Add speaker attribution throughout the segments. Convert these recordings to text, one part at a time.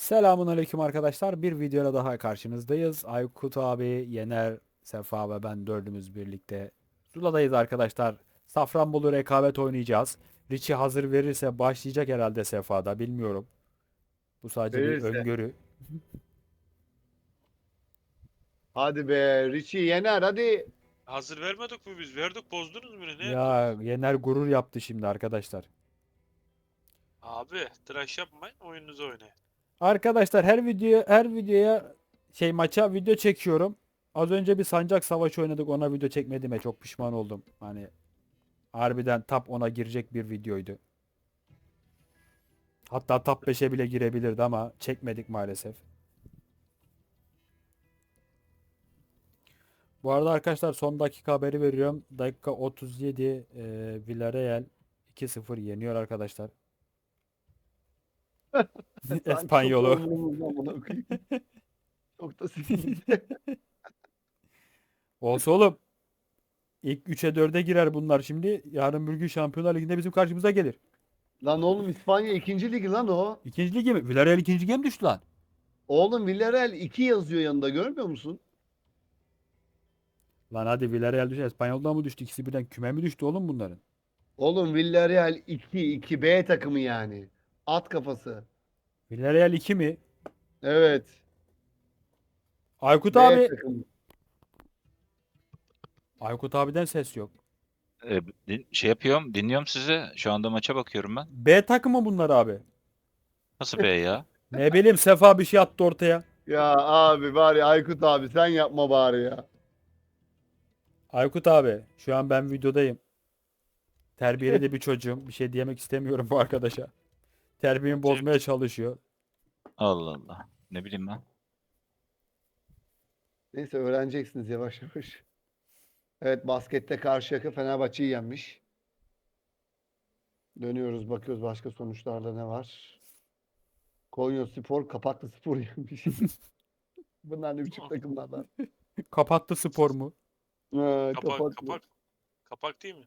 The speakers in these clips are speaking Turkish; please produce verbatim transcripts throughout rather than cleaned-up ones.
Speaker 1: Selamun aleyküm arkadaşlar. Bir videoda daha karşınızdayız. Aykut abi, Yener, Sefa ve ben dördümüz birlikte Zula'dayız arkadaşlar. Safranbolu rekabet oynayacağız. Richie hazır verirse başlayacak herhalde Sefa'da. Bilmiyorum. Bu sadece bir
Speaker 2: Verirse.
Speaker 1: öngörü.
Speaker 2: Hadi be Richie Yener hadi.
Speaker 3: Hazır vermedik mi biz? Verdik, bozdunuz mu ne? Ne
Speaker 1: Ya
Speaker 3: yaptınız?
Speaker 1: Yener gurur yaptı şimdi arkadaşlar.
Speaker 3: Abi tıraş yapmayın, oyununuzu oynayın.
Speaker 1: Arkadaşlar her video her videoya şey maça video çekiyorum. Az önce bir sancak savaşı oynadık. Ona video çekmediğime çok pişman oldum. Hani harbiden top ona girecek bir videoydu. Hatta top beşe bile girebilirdi ama çekmedik maalesef. Bu arada arkadaşlar son dakika haberi veriyorum. Dakika otuz yedi e, Villarreal iki sıfır yeniyor arkadaşlar.
Speaker 2: Sanki çok da
Speaker 1: Espanyolu.
Speaker 2: umurumuzda bunu okuyayım. Çok da sikimizde.
Speaker 1: Olsa oğlum. İlk üçe dörde girer bunlar şimdi. Yarın bir gün Şampiyonlar Ligi'nde bizim karşımıza gelir.
Speaker 2: Lan oğlum İspanya ikinci ligi lan o.
Speaker 1: İkinci lige mi? Villarreal ikinci lige mi düştü lan?
Speaker 2: Oğlum Villarreal iki yazıyor yanında görmüyor musun?
Speaker 1: Lan hadi Villarreal düştü. Espanyol'dan mı düştü? İkisi birden küme mi düştü oğlum bunların?
Speaker 2: Oğlum Villarreal iki iki B takımı yani. At kafası.
Speaker 1: Villarreal iki mi?
Speaker 2: Evet.
Speaker 1: Aykut
Speaker 2: B
Speaker 1: abi.
Speaker 2: takımı.
Speaker 1: Aykut abiden ses yok.
Speaker 4: E, din- şey yapıyorum, dinliyorum sizi. Şu anda maça bakıyorum ben.
Speaker 1: B takımı bunlar abi.
Speaker 4: Nasıl be ya?
Speaker 1: Ne bileyim Sefa bir şey attı ortaya.
Speaker 2: Ya abi bari Aykut abi sen yapma bari ya.
Speaker 1: Aykut abi şu an ben videodayım. Terbiyeli de bir çocuğum. Bir şey diyemek istemiyorum bu arkadaşa. Terbiyemi bozmaya çalışıyor.
Speaker 4: Allah Allah. Ne bileyim ben.
Speaker 2: Neyse öğreneceksiniz yavaş yavaş. Evet baskette Karşıyaka Fenerbahçe'yi yenmiş. Dönüyoruz bakıyoruz başka sonuçlarda ne var. Konyaspor Kapaklıspor yenmiş. Bunlar ne biçim takımlardan.
Speaker 1: Kapattı spor mu?
Speaker 2: Ha,
Speaker 3: Kapak,
Speaker 2: kapaklı.
Speaker 3: kapak. Kapak değil mi?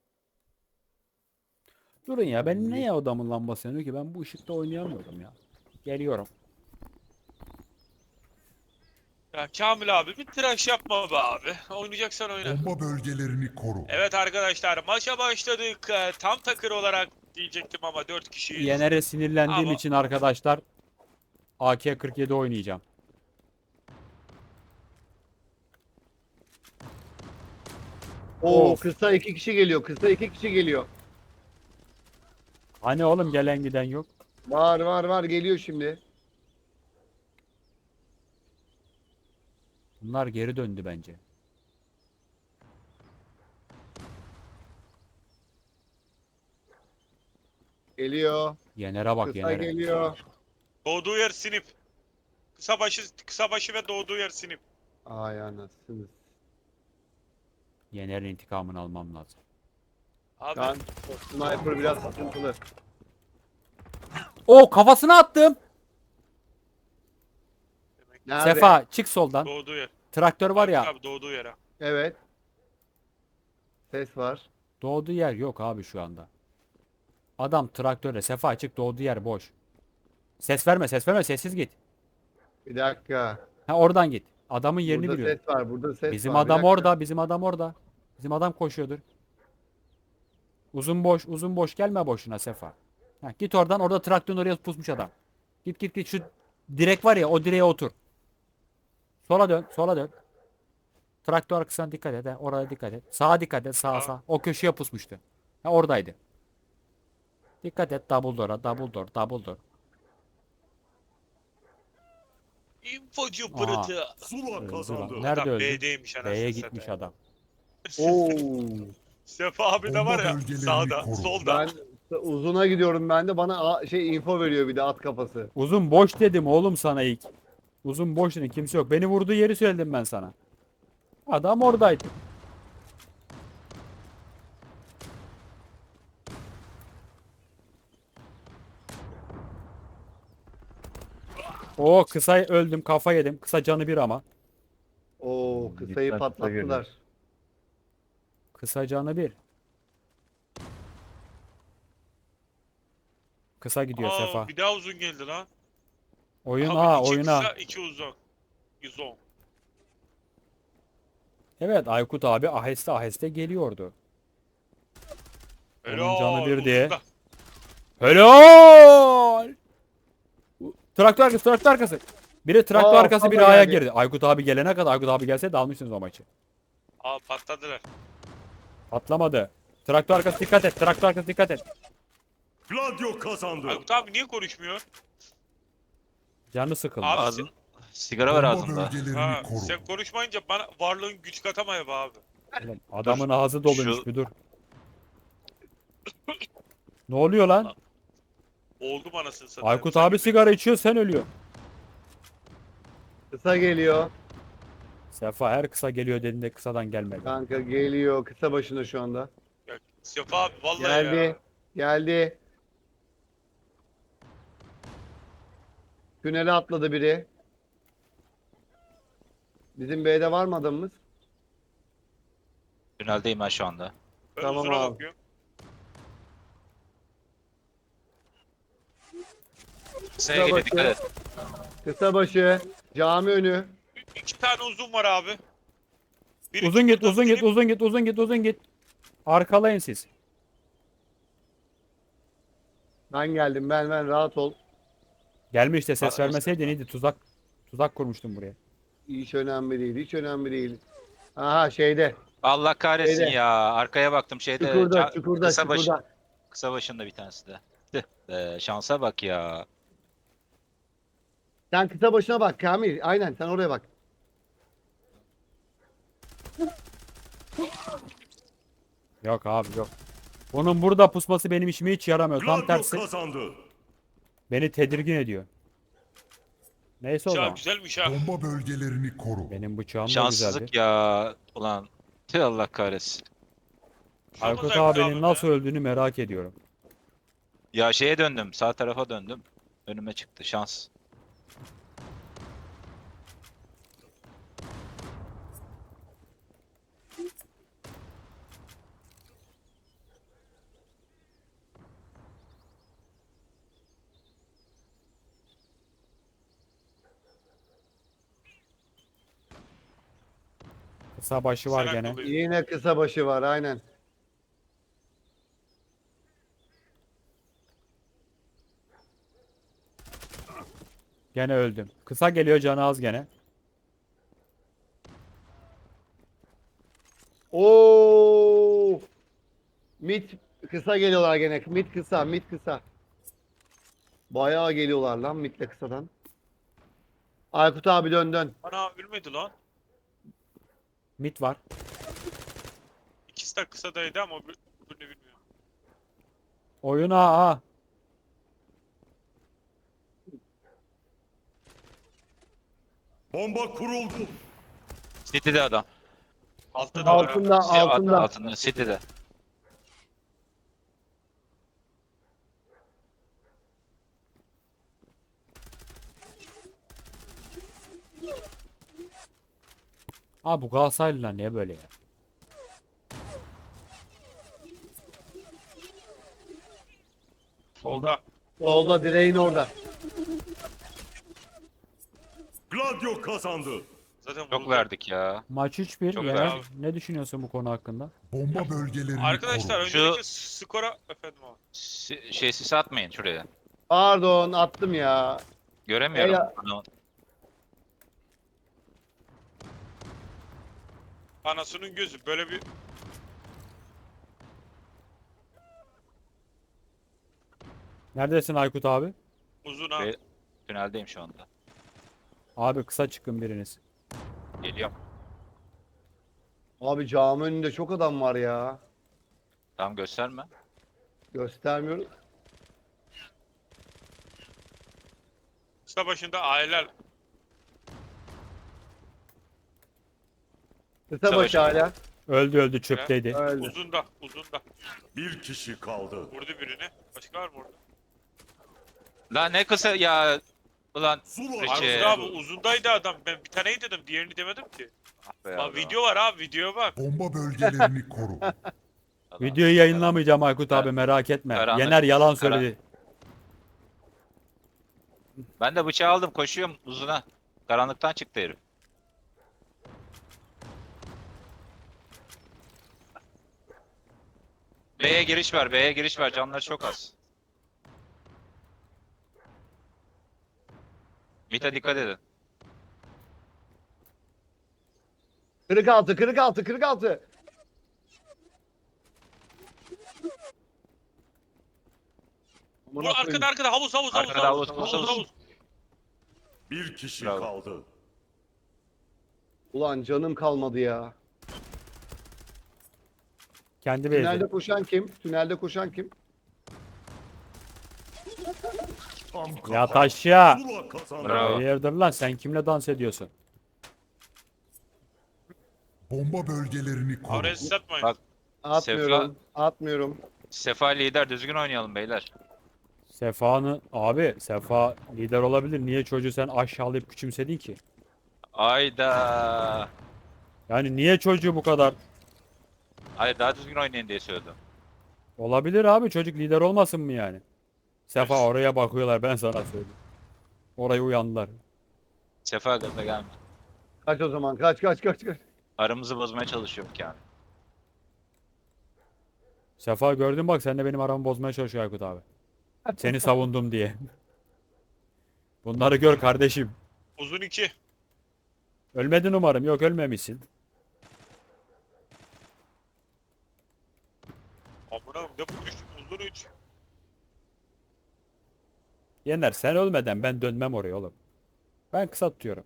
Speaker 1: Durun ya ben neye odamın lambası yanıyor ki? Ben bu ışıkta oynayamıyorum ya. Geliyorum.
Speaker 3: Ya Kamil abi bir tıraş yapma be abi. Oynayacaksan oyna.
Speaker 5: Bomba bölgelerini koru.
Speaker 3: Evet arkadaşlar, maça başladık. Ee, Tam takır olarak diyecektim ama dört kişiyiz.
Speaker 1: Yener'e sinirlendiğim
Speaker 3: Ama
Speaker 1: için arkadaşlar A K kırk yedi oynayacağım.
Speaker 2: Oo
Speaker 1: Of.
Speaker 2: kısa iki kişi geliyor. Kısa iki kişi geliyor.
Speaker 1: Hani oğlum gelen giden yok.
Speaker 2: Var var var geliyor şimdi.
Speaker 1: Bunlar geri döndü bence.
Speaker 2: Geliyor.
Speaker 1: Yener'e bak
Speaker 2: Kısa
Speaker 1: Yener'e.
Speaker 2: geliyor.
Speaker 3: doğduğu yer sinip. Kısa başı, kısa başı ve doğduğu yer sinip.
Speaker 2: Ay anasını.
Speaker 1: Yener'in intikamını almam lazım.
Speaker 3: Abi
Speaker 2: Lan o sniper biraz sıkıntılı.
Speaker 1: O kafasına attım.
Speaker 3: demek
Speaker 2: Nerede?
Speaker 1: Sefa çık soldan.
Speaker 3: doğduğu yer.
Speaker 1: Traktör var
Speaker 3: Aykut
Speaker 1: ya.
Speaker 3: abi doğduğu yere.
Speaker 2: Evet. Ses var.
Speaker 1: Doğduğu yer yok abi şu anda. Adam traktörle Sefa açık doğduğu yer boş. Ses verme ses verme sessiz git.
Speaker 2: Bir dakika.
Speaker 1: Ha oradan git. Adamın yerini
Speaker 2: Burada
Speaker 1: biliyorum.
Speaker 2: ses var. Burada ses
Speaker 1: Bizim
Speaker 2: var. Bir
Speaker 1: adam
Speaker 2: dakika.
Speaker 1: orada bizim adam orada. Bizim adam koşuyordur. Uzun boş uzun boş gelme boşuna Sefa. Ha, git oradan orada traktörün oraya pusmuş adam. Git git git şu direk var ya o direğe otur. Sola dön sola dön. Traktör arkasına dikkat et. Ha, oraya dikkat et. Sağa dikkat et sağa
Speaker 3: Aa.
Speaker 1: sağa. O köşeye pusmuştu. Ha, oradaydı. Dikkat et double door'a double door double door.
Speaker 3: İnfocu
Speaker 1: Aha.
Speaker 3: pırıtı.
Speaker 5: Zula
Speaker 1: Öldü
Speaker 5: kazandı.
Speaker 1: lan. Nerede
Speaker 3: Adam
Speaker 1: öldü?
Speaker 3: B'deymiş anasını
Speaker 1: B'ye
Speaker 3: satayım.
Speaker 1: gitmiş adam.
Speaker 2: Oo.
Speaker 3: Sefa abi de
Speaker 5: Bomba
Speaker 3: var ya
Speaker 5: bölgelerini
Speaker 3: sağda,
Speaker 5: koru.
Speaker 3: solda.
Speaker 2: Ben uzuna gidiyorum ben de bana a- şey info veriyor bir de at kafası.
Speaker 1: Uzun boş dedim oğlum sana ilk. Uzun boş dedim kimse yok. Beni vurduğu yeri söyledim ben sana. Adam oradaydı. O kısa öldüm kafa yedim. Kısa canı bir ama.
Speaker 2: Oo kısayı patlattılar.
Speaker 1: Kısa canı bir. Kısa gidiyor
Speaker 3: Aa,
Speaker 1: Sefa.
Speaker 3: bir daha uzun geldi lan.
Speaker 1: Oyun
Speaker 3: Abi
Speaker 1: A,
Speaker 3: iki
Speaker 1: oyun
Speaker 3: kısa,
Speaker 1: A.
Speaker 3: iki uzun. yüz on.
Speaker 1: Evet, Aykut abi aheste aheste geliyordu. Onun canı
Speaker 3: Helal.
Speaker 1: bir diye.
Speaker 3: uzunda.
Speaker 1: Helal! Traktör arkası, traktör arkası. Biri traktör
Speaker 2: Aa,
Speaker 1: arkası, biri
Speaker 2: fazla
Speaker 1: A'ya
Speaker 2: geldi.
Speaker 1: girdi. Aykut abi gelene kadar, Aykut abi gelse de almışsınız o maçı.
Speaker 3: Aa patladılar.
Speaker 1: Patlamadı. Traktör arkası dikkat et, traktör arkası dikkat et.
Speaker 5: Gladio kazandı.
Speaker 3: Aykut abi niye konuşmuyor?
Speaker 1: Canı sıkıldı.
Speaker 3: Abi
Speaker 4: Ağzın, sigara var
Speaker 5: Bomba
Speaker 4: ağzında.
Speaker 5: bölgelerini
Speaker 3: Ha,
Speaker 5: koru.
Speaker 3: sen konuşmayınca bana varlığın güç katamıyor be abi.
Speaker 1: Oğlum, adamın
Speaker 4: Dur,
Speaker 1: ağzı doluymuş,
Speaker 4: şu-
Speaker 1: bir dur. Ne oluyor lan?
Speaker 3: Oldu anasını satayım.
Speaker 1: Aykut
Speaker 3: Sanki
Speaker 1: abi
Speaker 3: bir-
Speaker 1: sigara içiyor, sen ölüyor.
Speaker 2: Kısa geliyor.
Speaker 1: Sefa her kısa geliyor dediğinde kısadan gelmedi.
Speaker 2: Kanka geliyor. Kısa başında şu anda.
Speaker 3: Ya, Sefa abi vallahi
Speaker 2: Geldi.
Speaker 3: ya.
Speaker 2: Geldi. Tünele atladı biri. Bizim B'de var mı adamımız?
Speaker 4: Tüneldeyim ben şu anda.
Speaker 3: Ben
Speaker 2: Tamam
Speaker 3: uzuna
Speaker 2: abi.
Speaker 3: bakıyorum.
Speaker 4: Kısaya geliyor, dikkat et.
Speaker 2: Kısa başı. Cami önü.
Speaker 3: İki tane uzun var abi. Biri
Speaker 1: Uzun git,
Speaker 3: çukurda,
Speaker 1: uzun git,
Speaker 3: biri-
Speaker 1: uzun git, uzun git, uzun git. Arkalayın siz.
Speaker 2: Ben geldim. Ben ben rahat ol.
Speaker 1: Gelme işte, ses
Speaker 4: Aa,
Speaker 1: vermeseydin iyiydi. Tuzak tuzak kurmuştum buraya.
Speaker 2: Hiç önemli değil. Hiç önemli değil. Aha şeyde.
Speaker 4: Allah kahretsin
Speaker 2: Şeyde.
Speaker 4: ya. Arkaya baktım şeyde.
Speaker 2: Çukurda,
Speaker 4: ca-
Speaker 2: çukurda,
Speaker 4: kısa, baş-
Speaker 2: çukurda.
Speaker 4: kısa başında bir tanesi de. Tüh be, şansa bak ya.
Speaker 2: Sen kısa başına bak Kamil. Aynen sen oraya bak.
Speaker 1: Yok abi yok. Bunun burada pusması benim işime hiç yaramıyor. Tam
Speaker 5: Gladio
Speaker 1: tersi
Speaker 5: kazandı.
Speaker 1: beni tedirgin ediyor. Neyse o
Speaker 3: Ya
Speaker 1: zaman.
Speaker 3: güzelmiş ha.
Speaker 5: Bomba bölgelerini koru.
Speaker 1: Benim bıçağım da
Speaker 4: Şanssızlık
Speaker 1: güzeldi.
Speaker 4: ya. Ulan. Tüh Allah kahretsin.
Speaker 1: Aykut
Speaker 3: Çok zevkli
Speaker 1: abinin
Speaker 3: abi
Speaker 1: nasıl
Speaker 3: be.
Speaker 1: öldüğünü merak ediyorum.
Speaker 4: Ya şeye döndüm. Sağ tarafa döndüm. Önüme çıktı. Şans.
Speaker 1: Kısa başı var
Speaker 3: Sen
Speaker 1: gene.
Speaker 3: akıllıyım.
Speaker 2: Yine kısa başı var aynen.
Speaker 1: Gene öldüm. Kısa geliyor, canı az gene.
Speaker 2: Oo! Mid kısa geliyorlar gene. Mid kısa, mid kısa. Bayağı geliyorlar lan midle kısadan. Aykut abi dön dön.
Speaker 3: Ana ölmedi lan.
Speaker 1: Mit var.
Speaker 3: İkisi de kısadaydı ama öbür- öbürünü bilmiyorum.
Speaker 1: Oyun A A.
Speaker 5: Bomba kuruldu.
Speaker 4: City'de adam.
Speaker 3: Altta da var abi.
Speaker 2: Altında,
Speaker 4: Şey, alt-
Speaker 2: altında.
Speaker 4: altında. City'de.
Speaker 1: Abi bu Galatasaraylılar niye böyle ya?
Speaker 3: Solda.
Speaker 2: Solda direğin orada.
Speaker 5: Gladio kazandı.
Speaker 3: Zaten
Speaker 4: Çok
Speaker 3: vurdu.
Speaker 4: verdik ya.
Speaker 1: Maç üç bir.
Speaker 4: Çok
Speaker 1: Yener,
Speaker 3: abi.
Speaker 1: ne düşünüyorsun bu konu hakkında?
Speaker 5: Bomba bölgelerini
Speaker 3: Arkadaşlar
Speaker 5: koru.
Speaker 4: Şu-
Speaker 3: öncelikle skora efendim abi.
Speaker 4: Si- şey sis atmayın şuraya.
Speaker 2: Pardon attım ya.
Speaker 4: Göremiyorum.
Speaker 2: Ela-
Speaker 4: Adamı.
Speaker 3: Anasının gözü böyle bir
Speaker 1: Neredesin Aykut abi?
Speaker 3: uzun ha.
Speaker 4: Ve- Tüneldeyim şu anda.
Speaker 1: Abi kısa çıkın biriniz.
Speaker 4: Geliyorum.
Speaker 2: Abi cami önünde çok adam var ya.
Speaker 4: Tamam gösterme.
Speaker 2: Göstermiyorum.
Speaker 3: Kısa başında aileler.
Speaker 2: Kısa
Speaker 4: Savaş.
Speaker 2: başı hala.
Speaker 1: Öldü öldü, çöpteydi.
Speaker 2: Öldü.
Speaker 3: Uzunda. Uzunda.
Speaker 5: Bir kişi kaldı.
Speaker 3: Vurdu birini. Başka var mı orada?
Speaker 4: Lan ne kısa ya. Ulan.
Speaker 5: Zula
Speaker 4: Richie.
Speaker 3: Aykut abi uzundaydı adam. Ben bir taneyi dedim. Diğerini demedim ki.
Speaker 4: Ah be
Speaker 3: Bak
Speaker 4: yavrum.
Speaker 3: video var abi. Videoya bak.
Speaker 5: Bomba bölgelerini koru.
Speaker 4: Ulan.
Speaker 1: Videoyu yayınlamayacağım Aykut abi,
Speaker 4: Kar-
Speaker 1: merak etme.
Speaker 4: karanlık-
Speaker 1: Yener yalan
Speaker 4: kara-
Speaker 1: söyledi.
Speaker 4: Ben de bıçağı aldım koşuyorum uzuna. Karanlıktan çıktı herif. B'ye giriş var, B'ye giriş var. Canları çok az. Mita dikkat edin.
Speaker 2: Kırık altı, kırık altı, kırık altı.
Speaker 3: Vur arkada arkada havuz havuz havuz
Speaker 4: Arkada
Speaker 3: havuz
Speaker 4: havuz,
Speaker 3: havuz
Speaker 4: havuz.
Speaker 3: havuz.
Speaker 5: Bir kişi
Speaker 4: Bravo.
Speaker 5: kaldı.
Speaker 2: Ulan canım kalmadı ya.
Speaker 1: Kendi beyzi.
Speaker 2: Tünelde koşan kim? Tünelde koşan kim?
Speaker 5: Tam kafa.
Speaker 1: Yat aşağı.
Speaker 5: Zula kazandı.
Speaker 4: Bravo.
Speaker 1: Hayırdır lan sen kimle dans ediyorsun?
Speaker 5: Bomba bölgelerini koru.
Speaker 3: Araya sis atmayın.
Speaker 4: Bak.
Speaker 2: Atmıyorum. Atmıyorum.
Speaker 4: Sefa lider düzgün oynayalım beyler.
Speaker 1: Sefa'nı abi Sefa lider olabilir. Niye çocuğu sen aşağılayıp küçümsedin ki?
Speaker 4: Ayda.
Speaker 1: Yani niye çocuğu bu kadar?
Speaker 4: Hayır daha düzgün oynayın diye söyledim.
Speaker 1: Olabilir abi çocuk lider olmasın mı yani? Sefa oraya bakıyorlar ben sana söyleyeyim. Oraya uyandılar.
Speaker 4: Sefa gaza gelme.
Speaker 2: Kaç o zaman? Kaç kaç kaç kaç.
Speaker 4: Aramızı bozmaya çalışıyorum yani.
Speaker 1: Sefa gördün bak sen de benim aramı bozmaya çalışıyor Aykut abi. Seni savundum diye. Bunları gör kardeşim.
Speaker 3: Uzun iki.
Speaker 1: Ölmedin umarım. Yok ölmemişsin.
Speaker 3: Amına ne bu düştüm uzun üç.
Speaker 1: Yener sen ölmeden ben dönmem oraya oğlum. Ben kısa tutuyorum.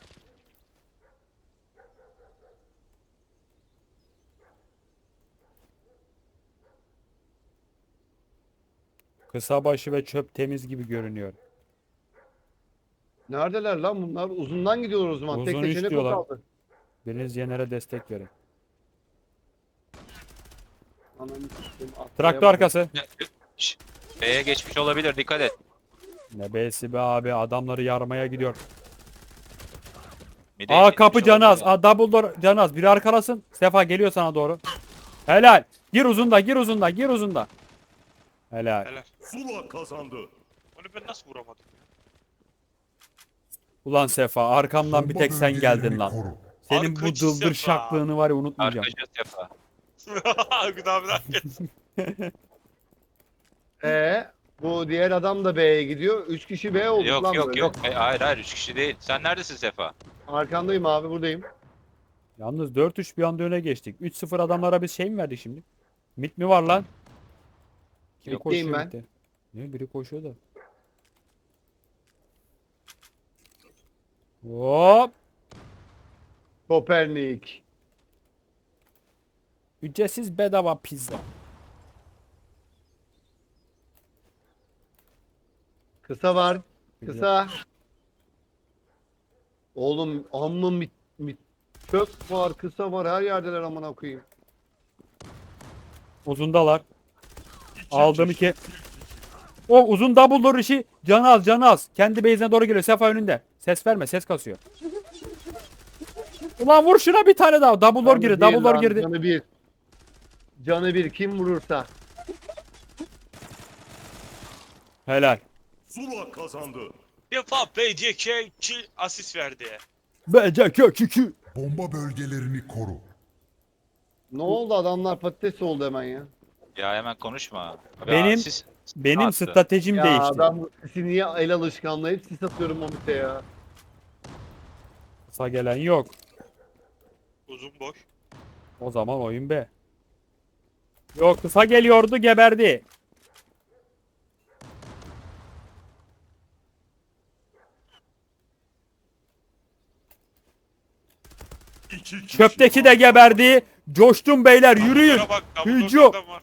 Speaker 1: Kısa başı ve çöp temiz gibi görünüyor.
Speaker 2: Neredeler lan bunlar? Uzundan gidiyorlar o zaman. Tek
Speaker 1: Uzun üç
Speaker 2: seçenek o
Speaker 1: diyorlar.
Speaker 2: kaldı.
Speaker 1: Biriniz Yener'e destek verin.
Speaker 2: Ananı sikeyim, atlayamadım.
Speaker 1: Traktör arkası.
Speaker 4: Şş, B'ye geçmiş olabilir dikkat et.
Speaker 1: Ne besi be abi adamları yarmaya gidiyor.
Speaker 4: Mide
Speaker 1: Aa
Speaker 4: geçmiş
Speaker 1: kapı canaz.
Speaker 4: olabilir.
Speaker 1: Aa double door canaz. Biri arkalasın. Sefa geliyor sana doğru. Helal. Gir uzunda gir uzunda gir uzunda. Helal.
Speaker 3: Helal.
Speaker 5: Zula kazandı.
Speaker 3: Onu ben nasıl vuramadım ya?
Speaker 1: Ulan Sefa arkamdan bir
Speaker 5: Bomba
Speaker 1: tek sen geldin
Speaker 5: bölgelerini
Speaker 1: lan.
Speaker 5: koru.
Speaker 1: Senin bu
Speaker 3: Arkacı
Speaker 1: dıldır
Speaker 3: Sefa.
Speaker 1: şaklığını var ya unutmayacağım.
Speaker 4: Arkacı Sefa.
Speaker 3: Aykut abi ne yapıyorsun?
Speaker 2: Ee, bu diğer adam da B'ye gidiyor. Üç kişi B olduk
Speaker 4: Yok
Speaker 2: lan
Speaker 4: yok
Speaker 2: böyle.
Speaker 4: yok. E, Hayır hayır üç kişi değil. Sen neredesin Sefa?
Speaker 2: Arkandayım abi, buradayım.
Speaker 1: Yalnız dört üç bir anda öne geçtik. üç sıfır adamlara biz şey mi verdik şimdi? Mit mi var lan? Biri
Speaker 2: Mitteyim
Speaker 1: koşuyor
Speaker 2: ben.
Speaker 1: mitte. Ne biri koşuyor da. Hop.
Speaker 2: Kopernik.
Speaker 1: Ücretsiz bedava pizza.
Speaker 2: Kısa var. Kısa. Oğlum amma mit, mit. Çöp var, kısa var. Her yerdeler amına koyayım.
Speaker 1: Uzundalar.
Speaker 5: İki
Speaker 1: Aldım
Speaker 5: kişi.
Speaker 1: iki. O uzun double door işi canı az canı az. Kendi base'ine doğru geliyor. Sefa önünde. Ses verme ses kasıyor. Ulan vur şuna bir tane daha. Double door
Speaker 2: Canı
Speaker 1: girdi.
Speaker 2: bir
Speaker 1: Double door
Speaker 2: lan,
Speaker 1: girdi.
Speaker 2: Canı bir. Canı bir. Kim vurursa.
Speaker 1: Helal.
Speaker 5: Zula kazandı.
Speaker 3: Bir defa B C K iki asist verdi.
Speaker 1: Bence kök iki.
Speaker 5: Bomba bölgelerini koru.
Speaker 2: Ne oldu, adamlar patates oldu hemen ya.
Speaker 4: Ya hemen konuşma.
Speaker 1: Benim-
Speaker 4: Ya, siz-
Speaker 1: Benim
Speaker 4: Attı.
Speaker 1: stratejim
Speaker 2: Ya
Speaker 1: değişti.
Speaker 2: adam sisi niye el alışkanlığı, hep sis atıyorum o mite ya.
Speaker 1: Kısa gelen yok.
Speaker 3: Uzun boş.
Speaker 1: O zaman oyun be. Yok kısa geliyordu geberdi.
Speaker 5: İki kişi
Speaker 1: Çöpteki de geberdi. Coştum beyler yürüyün.
Speaker 3: Dumbledore'a bak, Dumbledore'da
Speaker 1: Hücum.
Speaker 3: adam var.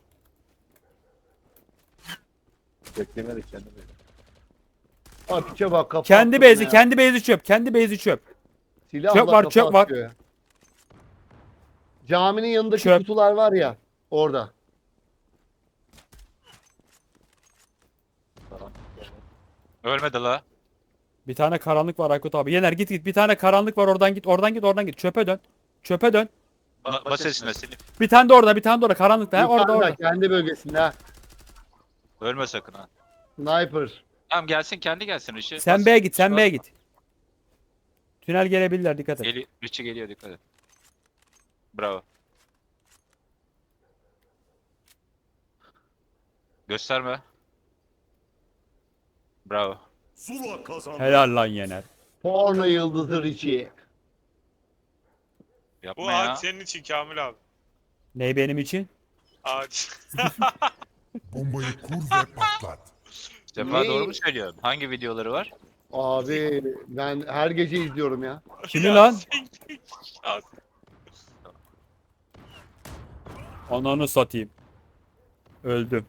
Speaker 2: Beklemedik kendini. Bak içe bak, kafa
Speaker 1: Kendi
Speaker 2: attı
Speaker 1: bezi
Speaker 2: bana ya.
Speaker 1: kendi bezi çöp. Kendi bezi çöp.
Speaker 2: Silahla
Speaker 1: çöp var,
Speaker 2: kafa
Speaker 1: çöp var.
Speaker 2: atıyor ya. Caminin yanındaki
Speaker 1: Çöp.
Speaker 2: kutular var ya, orada.
Speaker 4: Ölmedi la.
Speaker 1: Bir tane karanlık var Aykut abi. Yener git git. Bir tane karanlık var oradan git. Oradan git oradan git. Çöpe dön. Çöpe dön.
Speaker 4: Ba bas esine silip.
Speaker 1: Bir tane de orada bir tane de orada karanlıkta. He, orada
Speaker 2: Yukarıda,
Speaker 1: orada.
Speaker 2: kendi bölgesinde ha.
Speaker 4: Ölme sakın ha.
Speaker 2: Sniper.
Speaker 4: Tamam gelsin kendi gelsin Rişi.
Speaker 1: Sen
Speaker 4: Bas,
Speaker 1: B'ye git, sen
Speaker 4: Rişi
Speaker 1: B'ye
Speaker 4: basma.
Speaker 1: git. Tünel gelebilirler, dikkat et.
Speaker 4: Geliyor, Rişi geliyor dikkat et. Bravo. Gösterme. Bravo.
Speaker 5: Zula kazandı.
Speaker 1: Helal lan Yener.
Speaker 2: Porno yıldızı Richie.
Speaker 4: Yapma
Speaker 3: Bu
Speaker 4: ya.
Speaker 3: ağaç senin için Kamil abi.
Speaker 1: Ney benim için?
Speaker 3: Ağaç.
Speaker 5: Bombayı kur ve patlat.
Speaker 4: Sefa
Speaker 2: Ne?
Speaker 4: doğru mu söylüyorsun? Hangi videoları var?
Speaker 2: Abi ben her gece izliyorum ya.
Speaker 1: Kimi
Speaker 3: Ya
Speaker 1: lan?
Speaker 3: sen- Ya
Speaker 1: Ananı satayım. Öldüm.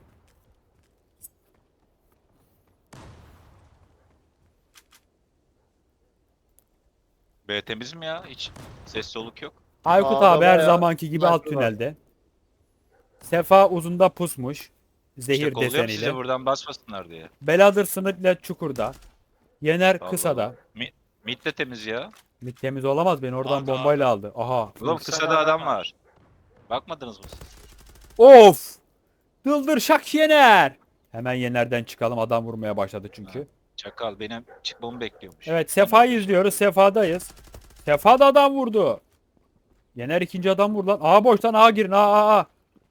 Speaker 4: B temiz mi ya? Hiç ses soluk yok.
Speaker 1: Aykut
Speaker 2: Aa,
Speaker 1: abi her
Speaker 2: bayağı
Speaker 1: zamanki gibi alt
Speaker 2: farklı var.
Speaker 1: tünelde. Sefa uzunda pusmuş. Zehir
Speaker 4: İşte kolluyorum size
Speaker 1: deseniyle.
Speaker 4: buradan basmasınlar diye.
Speaker 1: Beladır sınırla çukurda. Yener
Speaker 4: Allah
Speaker 1: kısada.
Speaker 4: Allah. Mi mid de temiz ya.
Speaker 1: Mid temiz olamaz, beni oradan
Speaker 3: Abi,
Speaker 1: bombayla aldı. Aha.
Speaker 4: Oğlum kısada adam var. Bakmadınız mı siz?
Speaker 1: Of! Dıldır şak Yener. Hemen Yener'den çıkalım, adam vurmaya başladı çünkü.
Speaker 4: Çakal benim çıkmamı bekliyormuş.
Speaker 1: Evet, Sefa'yı izliyoruz. Sefa'dayız. Sefa da adam vurdu. Yener ikinci adam vurdu lan. A boştan A girin. A A A.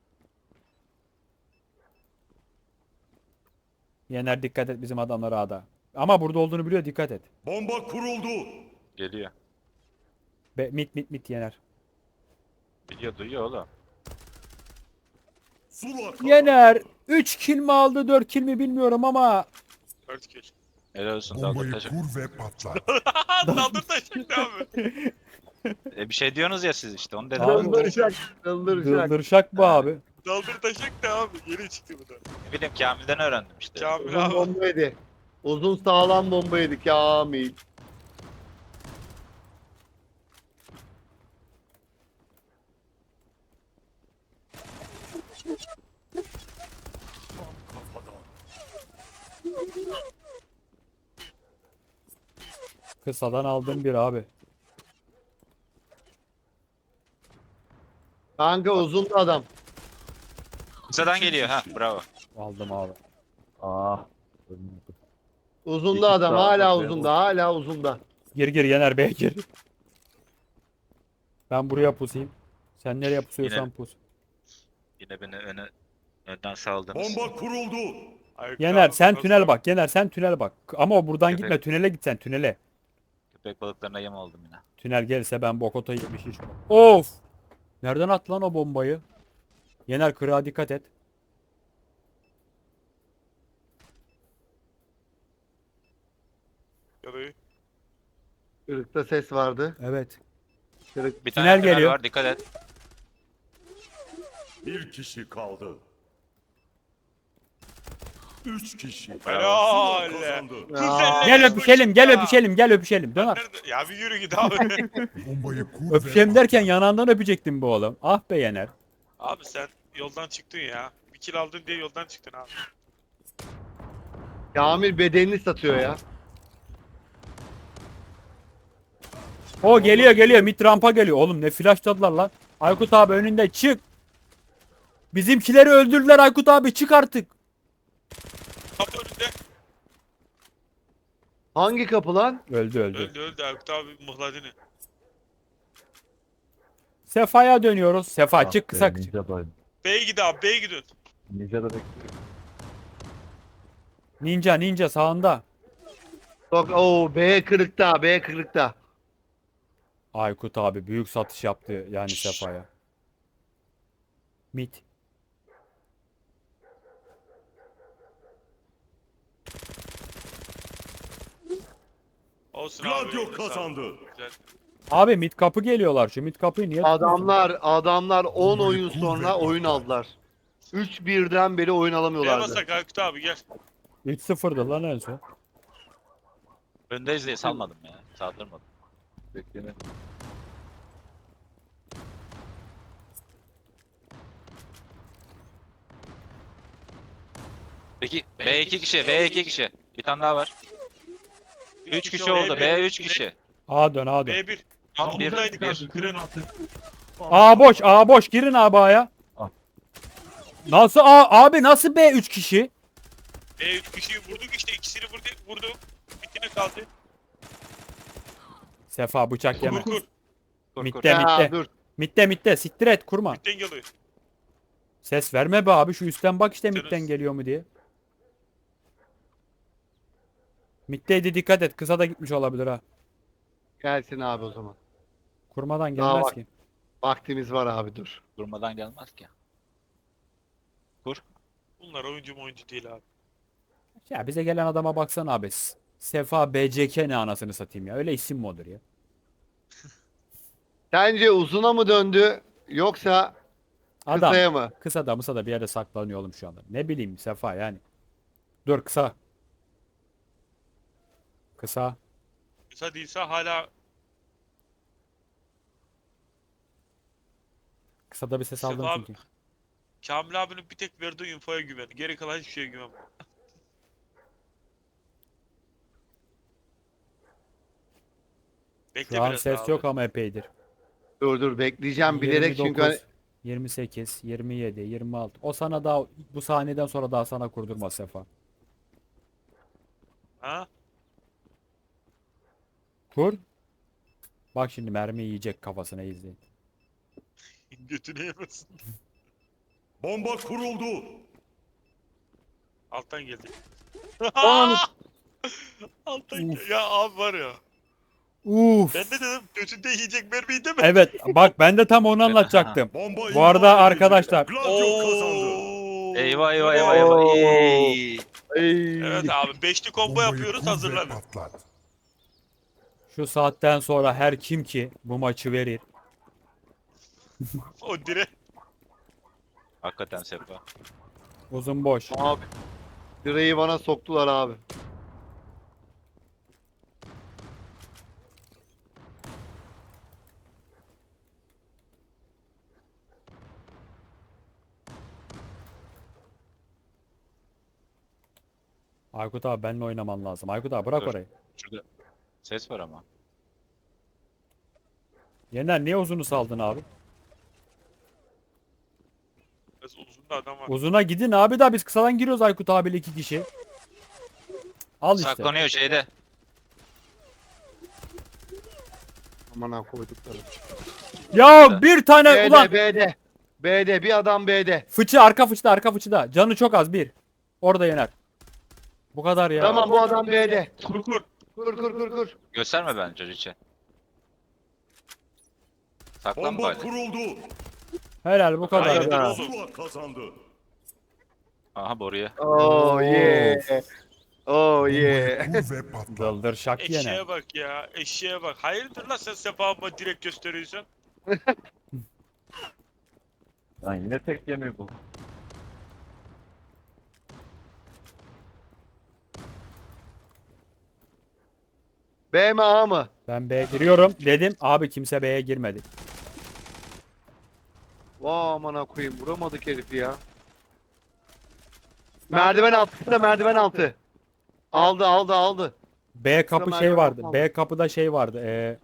Speaker 1: Yener dikkat et, bizim adamlar A'da. Ama burada olduğunu biliyor, dikkat et.
Speaker 5: Bomba kuruldu.
Speaker 4: Geliyor.
Speaker 1: Be, mit mit mit Yener.
Speaker 4: Biliyor duyuyor oğlum.
Speaker 5: Zula kazandı.
Speaker 1: Yener üç kill mi aldı, dört kill mi bilmiyorum ama
Speaker 3: dört kill.
Speaker 4: Helal olsun dalga
Speaker 5: Bombayı
Speaker 4: taşı.
Speaker 5: kur ve patlat.
Speaker 3: Daldır taşıktı abi.
Speaker 4: E bir şey diyorsunuz ya siz işte onu dedim.
Speaker 1: Abi,
Speaker 2: Dındırşak. Dındırşak.
Speaker 1: Dıldır bu abi.
Speaker 3: Daldır taşıktı abi. Yeni çıktı bu da.
Speaker 4: Ne bileyim Kamil'den öğrendim işte.
Speaker 3: Kamil
Speaker 2: Uzun
Speaker 3: abi.
Speaker 2: bomba yedi. Uzun sağlam bomba yedi Kamil.
Speaker 5: Kafadan.
Speaker 1: Kısadan aldım bir abi.
Speaker 2: Kanka uzun da adam.
Speaker 4: Kısadan geliyor ha bravo.
Speaker 1: Aldım abi.
Speaker 2: Uzun da adam. Hala uzunda. Hala uzunda.
Speaker 1: Gir gir Yener Bey gir. Ben buraya pusayım. Sen nereye pusuyorsan
Speaker 4: Yine-
Speaker 1: pus.
Speaker 4: Yine beni öne önden saldınız.
Speaker 5: Bomba kuruldu.
Speaker 3: Aykut
Speaker 1: Yener
Speaker 3: abi,
Speaker 1: sen
Speaker 3: nasıl-
Speaker 1: tünel bak. Yener sen tünel bak. Ama buradan
Speaker 4: Evet,
Speaker 1: gitme,
Speaker 4: evet.
Speaker 1: tünele git sen, tünele.
Speaker 4: Köpek balıklarına yem oldum yine.
Speaker 1: Tünel gelirse ben bokota yemiş iş. Of! Nereden attı lan o bombayı? Yener kırığa dikkat et.
Speaker 3: Ya da-
Speaker 2: Kırıkta ses vardı.
Speaker 1: Evet.
Speaker 2: Kırık.
Speaker 4: Bir
Speaker 1: Tünel
Speaker 4: tane tünel
Speaker 1: geliyor.
Speaker 4: var dikkat et.
Speaker 5: Bir kişi kaldı. Üç kişi.
Speaker 3: Helal.
Speaker 5: Zula kazandı.
Speaker 2: Aa,
Speaker 1: Gel öpüşelim, gel öpüşelim, gel öpüşelim. Dön ar-
Speaker 3: Nerede? Ya bir yürü git abi.
Speaker 5: Bombayı kur ve
Speaker 1: Öpüşelim derken
Speaker 5: patlat.
Speaker 1: yanağından öpecektim bu oğlum. Ah be Yener.
Speaker 3: Abi sen yoldan çıktın ya. Bir kill aldın diye yoldan çıktın abi.
Speaker 2: Kamil bedenini satıyor ya.
Speaker 1: O geliyor geliyor, mid rampa geliyor. Oğlum ne flashladılar lan. Aykut abi önünde çık. Bizimkileri öldürdüler Aykut abi, çık artık.
Speaker 3: Kapı önünde.
Speaker 2: Hangi kapı lan?
Speaker 1: Öldü öldü.
Speaker 3: Öldü öldü Aykut abi mıhladını.
Speaker 1: Sefa'ya dönüyoruz. Sefa çık kısa.
Speaker 3: B'ye gid abi B'ye gidin.
Speaker 1: Ninja ninja sağında.
Speaker 2: Yok, oo, B kırıkta. B kırıkta.
Speaker 1: Aykut abi büyük satış yaptı yani Sefa'ya. Mid.
Speaker 3: Olsun abi.
Speaker 5: Gladio
Speaker 3: eline sağlık.
Speaker 5: kazandı.
Speaker 3: Güzel.
Speaker 1: Abi mid kapı geliyorlar. Şu mid kapıyı niye tutuyorsun?
Speaker 2: Adamlar adamlar on
Speaker 5: Bombayı
Speaker 2: oyun
Speaker 5: kur
Speaker 2: sonra
Speaker 5: ve
Speaker 2: oyun
Speaker 5: patlat.
Speaker 2: aldılar. üç birden beri oyun
Speaker 3: B'ye
Speaker 2: alamıyorlardı.
Speaker 3: basak Aykut abi gel.
Speaker 1: üç sıfırdı lan en son.
Speaker 4: Öndeyiz diye salmadım ya. Saldırmadım. Beklemedim. Peki B iki kişi, B iki kişi. Bir tane daha var. üç kişi oldu. B üç kişi.
Speaker 1: A dön A dön.
Speaker 3: B bir.
Speaker 4: Tam bir.
Speaker 3: Buradaydık
Speaker 4: bir.
Speaker 3: abi. Kırın.
Speaker 1: A boş A boş, girin abi A'ya. Nasıl A abi, nasıl B üç kişi?
Speaker 3: E üç kişiyi vurduk işte, ikisini vurdu, vurdum. Bitine kaldı.
Speaker 1: Sefa bıçak yeme.
Speaker 3: Kur kur.
Speaker 4: Kur kur.
Speaker 1: Mitte
Speaker 2: Ya
Speaker 1: mitte.
Speaker 2: dur.
Speaker 1: Mitte mitte siktir et kurma.
Speaker 3: Bitten geliyor.
Speaker 1: Ses verme be abi, şu üstten bak işte
Speaker 3: Sen
Speaker 1: mitten
Speaker 3: öz-
Speaker 1: geliyor mu diye. Mitteydi, dikkat et, kısa da gitmiş olabilir ha.
Speaker 2: Gelsin abi o zaman.
Speaker 1: Kurmadan
Speaker 2: Daha
Speaker 1: gelmez
Speaker 2: bak.
Speaker 1: ki.
Speaker 2: Vaktimiz var abi dur.
Speaker 4: Durmadan gelmez ki. Kur.
Speaker 3: Bunlar oyuncu mu oyuncu değil abi.
Speaker 1: Ya bize gelen adama baksana abi. S- Sefa B C K ne anasını satayım ya. Öyle isim mi olur ya?
Speaker 2: Sence uzuna mı döndü yoksa
Speaker 1: Adam
Speaker 2: kısaya mı?
Speaker 1: kısa da mısa da bir yerde saklanıyor oğlum şu anda. Ne bileyim Sefa yani. Dur kısa. Kısa.
Speaker 3: Kısa değilse hala
Speaker 1: Kısada bir ses aldım
Speaker 3: Sefa
Speaker 1: çünkü.
Speaker 3: Kamil abinin bir tek verdiği infoya güven. Geri kalan hiçbir şeye güven. Bekle
Speaker 1: Şu an
Speaker 3: biraz
Speaker 1: ses
Speaker 3: daha
Speaker 1: yok
Speaker 3: abi.
Speaker 1: ama epeydir.
Speaker 2: Dur dur bekleyeceğim bilerek çünkü hani-
Speaker 1: yirmi dokuz, yirmi sekiz, yirmi yedi, yirmi altı. O sana daha bu sahneden sonra daha sana kurdurmaz Sefa.
Speaker 3: Ha?
Speaker 1: Kur. Bak şimdi mermi yiyecek kafasına, izleyin.
Speaker 3: Götünü yemesin.
Speaker 5: Bomba kuruldu.
Speaker 3: Alttan geldi.
Speaker 2: Ananı-
Speaker 3: Alttan geldi. Ya abi var ya.
Speaker 1: Uf.
Speaker 3: Ben de dedim götünde yiyecek mermiyi deme.
Speaker 1: Evet bak ben de tam onu anlatacaktım.
Speaker 5: Bomba
Speaker 1: Bu arada
Speaker 5: imha edildi.
Speaker 1: arkadaşlar-
Speaker 5: Gladio kazandı.
Speaker 3: Oo.
Speaker 4: Eyvah eyvah eyvah eyvah.
Speaker 2: Oo.
Speaker 4: Ey.
Speaker 2: Ey.
Speaker 3: Evet abi beşli combo
Speaker 5: Bombayı
Speaker 3: yapıyoruz,
Speaker 5: kur ve
Speaker 3: hazırlanın.
Speaker 5: patlat.
Speaker 1: Şu saatten sonra her kim ki bu maçı verir.
Speaker 3: O dire.
Speaker 4: Hakikaten Sefa.
Speaker 1: Uzun boş.
Speaker 2: Abi. Direği bana soktular abi.
Speaker 1: Aykut abi benimle oynaman lazım. Aykut abi bırak
Speaker 4: Dur.
Speaker 1: orayı.
Speaker 4: Şurada ses var ama.
Speaker 1: Yener niye uzunu saldın abi?
Speaker 3: Biraz uzun da adam var.
Speaker 1: Uzuna gidin abi, da biz kısadan giriyoruz Aykut abiyle iki kişi. Al işte.
Speaker 4: Saklanıyor şeyde.
Speaker 2: Aman ha koydukları.
Speaker 1: Ya bir tane
Speaker 2: B'de
Speaker 1: ulan.
Speaker 2: B'de. B'de bir adam B'de.
Speaker 1: Fıçı arka fıçıda arka fıçıda. Canı çok az bir. Orada Yener. Bu kadar ya.
Speaker 2: Tamam bu adam B'de.
Speaker 3: Kur kur.
Speaker 2: Kur kur kur kur.
Speaker 4: Gösterme bence Rich'e. Saklan
Speaker 5: Bomba
Speaker 4: bari.
Speaker 5: kuruldu.
Speaker 1: Helal bu kadar.
Speaker 3: Hayır.
Speaker 2: Ha.
Speaker 5: Zula kazandı.
Speaker 4: Aha boruya.
Speaker 2: Oh yeah. Oh yeah.
Speaker 5: Bombayı kur ve patlat.
Speaker 1: Dıldır şak Yener.
Speaker 3: Eşeğe bak ya. Eşeğe bak. Hayırdır lan sen Sefa'ma direkt gösteriyorsun.
Speaker 6: Lan yine tek yemiyor bu.
Speaker 2: B mi A mı?
Speaker 1: Ben B'ye giriyorum dedim. Abi kimse B'ye girmedi.
Speaker 2: Vay aman ha koyayım vuramadık herifi ya. Merdiven altı da merdiven altı. Aldı aldı aldı.
Speaker 1: B kapı
Speaker 2: Şurada
Speaker 1: şey
Speaker 2: merdiven
Speaker 1: vardı.
Speaker 2: altı
Speaker 1: B kapıda şey vardı. Ee,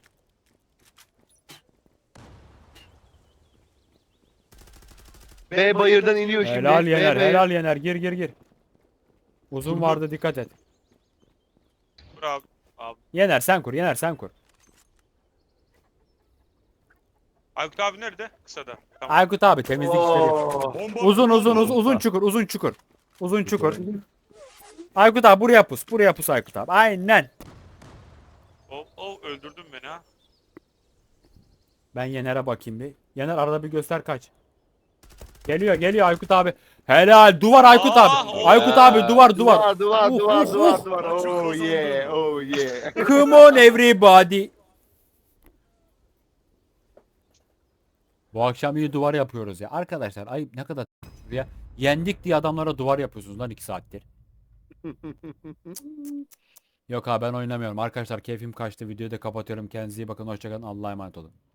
Speaker 2: B bayırdan iniyor şimdi.
Speaker 1: helal
Speaker 2: B
Speaker 1: Yener,
Speaker 2: bayır-
Speaker 1: helal Yener. Gir gir gir. Uzun vardı, dikkat et.
Speaker 3: Kur abi. Abi.
Speaker 1: Yener sen kur, Yener sen kur.
Speaker 3: Aykut abi nerede? Kısada. Tamam.
Speaker 1: Aykut abi temizlik işleri.
Speaker 2: Oo.
Speaker 5: Bomba
Speaker 1: Uzun uzun
Speaker 5: kuruldu.
Speaker 1: uzun uzun çukur, uzun çukur. Uzun çukur. Aykut abi buraya pus, buraya pus Aykut abi. Aynen.
Speaker 3: Oh oh öldürdün beni ha.
Speaker 1: Ben Yener'e bakayım bir. Yener arada bir göster kaç. Geliyor geliyor Aykut abi. Helal duvar Aykut
Speaker 3: Aa,
Speaker 1: abi.
Speaker 3: oo.
Speaker 1: Aykut abi duvar duvar.
Speaker 2: Duvar duvar
Speaker 1: Uh,
Speaker 2: duvar
Speaker 1: uh,
Speaker 2: duvar
Speaker 1: uh.
Speaker 2: duvar. Oh yeah oh yeah.
Speaker 1: Come on everybody. Bu akşam iyi duvar yapıyoruz ya. Arkadaşlar ayıp ne kadar ya. Yendik diye adamlara duvar yapıyorsunuz lan iki saattir. Yok abi ben oynamıyorum. Arkadaşlar keyfim kaçtı. Videoyu da kapatıyorum. Kendinize iyi bakın. Hoşçakalın. Allah'a emanet olun.